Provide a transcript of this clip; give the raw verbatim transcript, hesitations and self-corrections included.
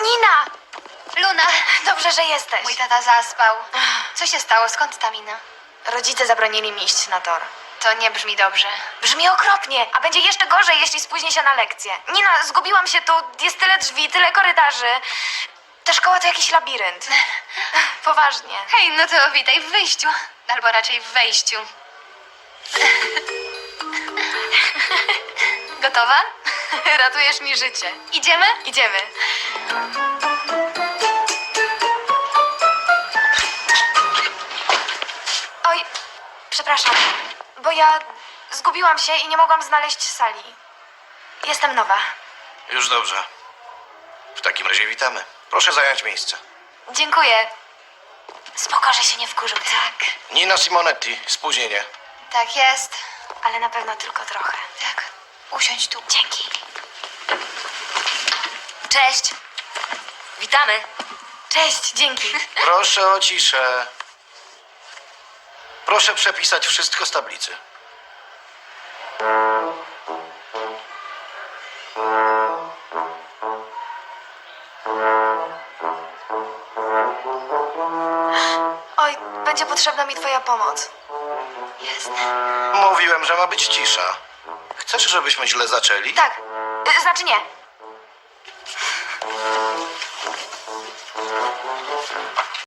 Nina! Luna, Dobrze, że jesteś. mój tata zaspał. Co się stało? Skąd ta mina? Rodzice zabronili mi iść na tor. To nie brzmi dobrze. Brzmi okropnie, a będzie jeszcze gorzej, jeśli spóźnię się na lekcję. Nina, zgubiłam się tu, jest tyle drzwi, tyle korytarzy. Ta szkoła to jakiś labirynt. Poważnie. Hej, no to witaj w wyjściu. Albo raczej w wejściu. Gotowa? Ratujesz mi życie. Idziemy? Idziemy. Oj, przepraszam, bo ja zgubiłam się i nie mogłam znaleźć sali. Jestem nowa. Już dobrze. W takim razie witamy. Proszę zająć miejsce. Dziękuję. Spoko, że się nie wkurzył, Tak, Nina Simonetti, spóźnienie. tak jest. ale na pewno tylko trochę. Tak, usiądź tu. Dzięki. Cześć. Witamy. Cześć, dzięki. Proszę o ciszę. Proszę przepisać wszystko z tablicy. Oj, będzie potrzebna mi twoja pomoc. Jest. Mówiłem, że ma być cisza. Chcesz, żebyśmy źle zaczęli? Tak, y, znaczy nie.